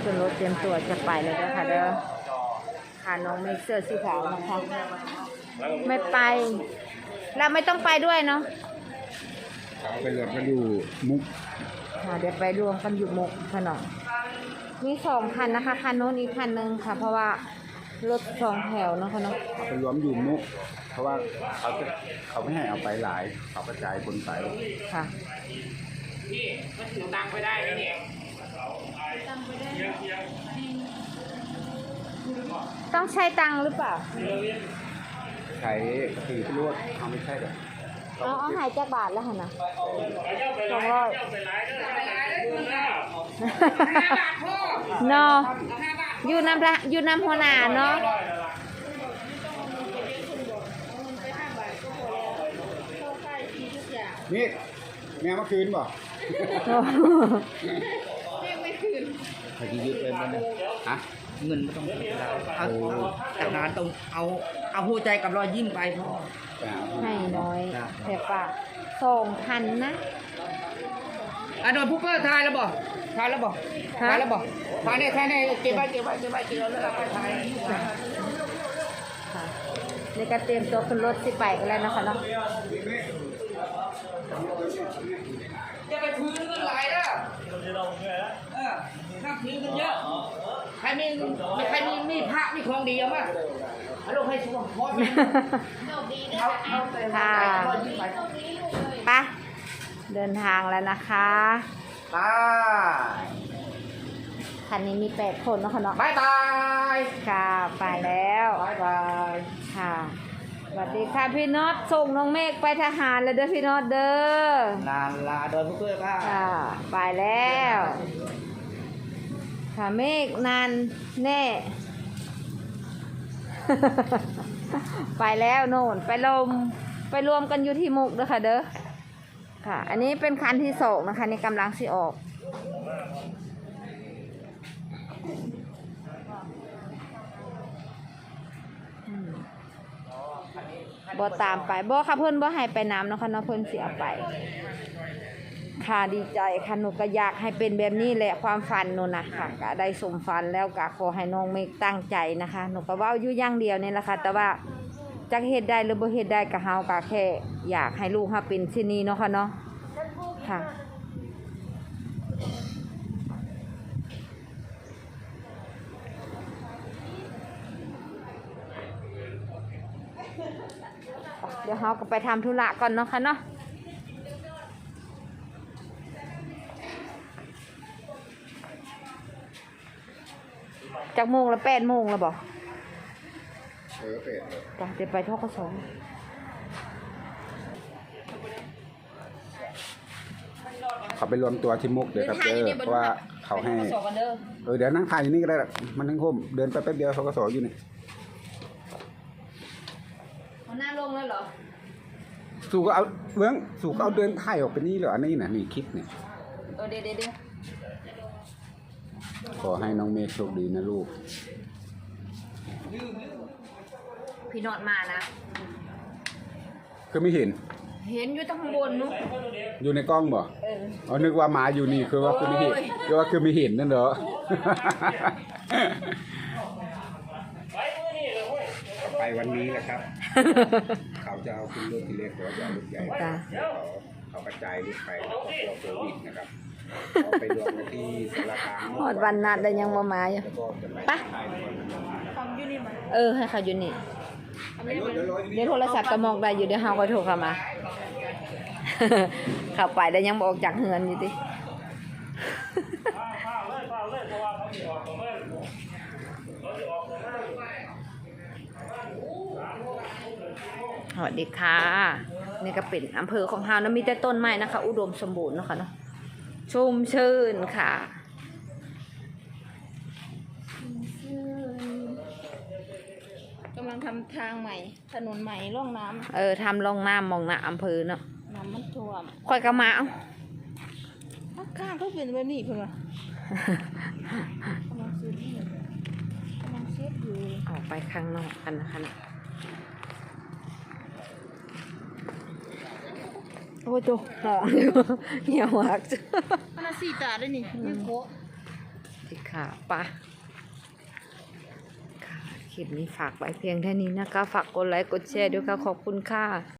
ขึ้นรถเตรียมตัวจะไปเลยนะคะเด้อค่ะน้องเมฆเสื้อสีขาวนะคะไม่ไปเราไม่ต้องไปด้วยเนาะไปรวมกันอยู่มุกเดี๋ยวไปรวมกันอยู่มุกขนมมี2 คันนะคะคันโน้นอีกคันนึงค่ะเพราะว่ารถ2 แถวเนาะค่ะเนาะไปรวมอยู่มุกเพราะว่าเขาไม่ให้เอาไปหลายเขากระจายคนไปค่ะพี่มันถือตังค์ไปได้ไหมเนี่ยต้องใช้ตังค์หรือเปล่าใช้ขี่รถเขาไม่ใช่หรอกเอาหายจากบาทแล้วค่ะนะ200เนาะอยู่น้ำหัวหน้าเนาะนี่แม่เมื่อคืนบ่พอดียึดเลยมันฮะเงินไม่ต้องเสียเอาแต่งานต้องเอาหัวใจกับรอยยิ้มไปพ่อให้น้อยแต่ป่ะ2,000นะโดนผู้เปิดทายแล้วบ่ทายแล้วบ่ทายแล้วบ่ทายเนี่ยทายเนี่ยเก็บไว้เแล้วเอาไปทายค่ะนี่ก็เตรียมตัวขึ้นรถสิไปกันแล้วนะคะเนาะจะไปถือเงินหลายนะนับถือเงินเยอะใครมีพระมีของดีเอามาเอาลงให้ช่วงพอดเอาไปค่ะไปไปเดินทางแล้วนะคะตาคันนี้มี8 คนเนาะค่ะเนาะบายบายค่ะไปแล้วบายบายค่ะสวัสดีค่ะพี่น็อตส่งน้องเมฆไปทหารแล้วเด้อพี่น็อตเด้อลาโดนผู้เปิดบ้าค่ะไปแล้วค่ะเมฆนานแน่ ไปแล้วโน่นไปรวมกันอยู่ที่มุกเด้อค่ะเด้อค่ะ อันนี้เป็นคันที่2นะคะนี่กำลังสิออกบ่ตามไปบ่ค่ะเพิ่นบ่ให้ไปน้ำเนาะค่ะเนาะเพิ่นสิเอาไปค่ะดีใจค่ะหนูก็อยากให้เป็นแบบนี้แหละความฝันหนูนะค่ะก็ได้สมฝันแล้วก็ขอให้น้องเมฆตั้งใจนะคะหนูก็เว้าอยู่อย่างเดียวนี่แหละค่ะแต่ว่าจักเฮ็ดได้หรือบ่เฮ็ดได้ก็เฮาก็แค่อยากให้ลูกเฮาเป็นที่นี่เนาะค่ะเนาะค่ะเดี๋ยวเฮาก็ไปทำธุระก่อนเนาะค่ะเนาะจากโมงละ8 โมงแล้วบอกเป็ดจ้ะเดี๋ยวไปทกส. เขาไปรวมตัวที่มุกเดี๋ยวครับเพราะว่าเขาให้เดี๋ยวนั่งถ่ายอยู่นี่ก็ได้มันทั้งคมเดินไปแป๊บเดียวเขาก็สออยู่นี่เอาหน้าลงแล้วเหรอสู่ก็เอาเบื้องสู่ก็เอาเดินถ่ายออกไปนี่เหรออันนี้นะนี่คลิปเนี่ยเดี๋ยวขอให้น้องเมฆโชคดีนะลูกพี่นอดมานะคือไม่เห็นเห็นอยู่ตั้งข้างบนนู้นอยู่ในกล้องบ่อ๋อนึกว่ามาอยู่นี่คือว่าคือไม่เห็นคือว่าคือไม่เห็นนั่นเหรอ ไปวันนี้แหละครับ เขาจะเอาขึ้นรถที่เล็กหรือว่าจะเอารถใหญ่เขากระจายรถไปตัวโควิดนะครับเขาไปรวมกันที่สารคามหอดวันนัดแต่ยังมาอยู่แล้วก็จะไปปะถ่ายก่อนให้เขาอยู่นี่เดี๋ยวโทรศัพท์ก็มองได้อยู่เดี๋ยวเฮาก็โทรเข้ามา เข้าไปแต่ยังบ่ออกจากเฮือนอยู่ติสวัสดีค่ะนี่ก็เป็นอำเภอของเฮานะมีแต่ต้นไม้นะคะอุดมสมบูรณ์เนาะค่ะเนาะชุ่มชื่นค่ะกำลังทำทางใหม่ถนนใหม่ร่องน้ำทำร่องน้ำมองหน้าอำเภอเนาะน้ำมันท่วมค่อยกระมาเอาข้างก็เป็นแบบนี้เพื่อนกำลังเช็ดอยู่ออกไปข้างนอกกันนะคะโอ้ยตัวหอมเหี่ยวหักมันสีตาได้นี่ยังโคแถสิค่ะปะค่ะคลิปนี้ฝากไว้เพียงแค่นี้นะคะฝากกดไลค์กดแชร์ด้วยค่ะขอบคุณค่ะ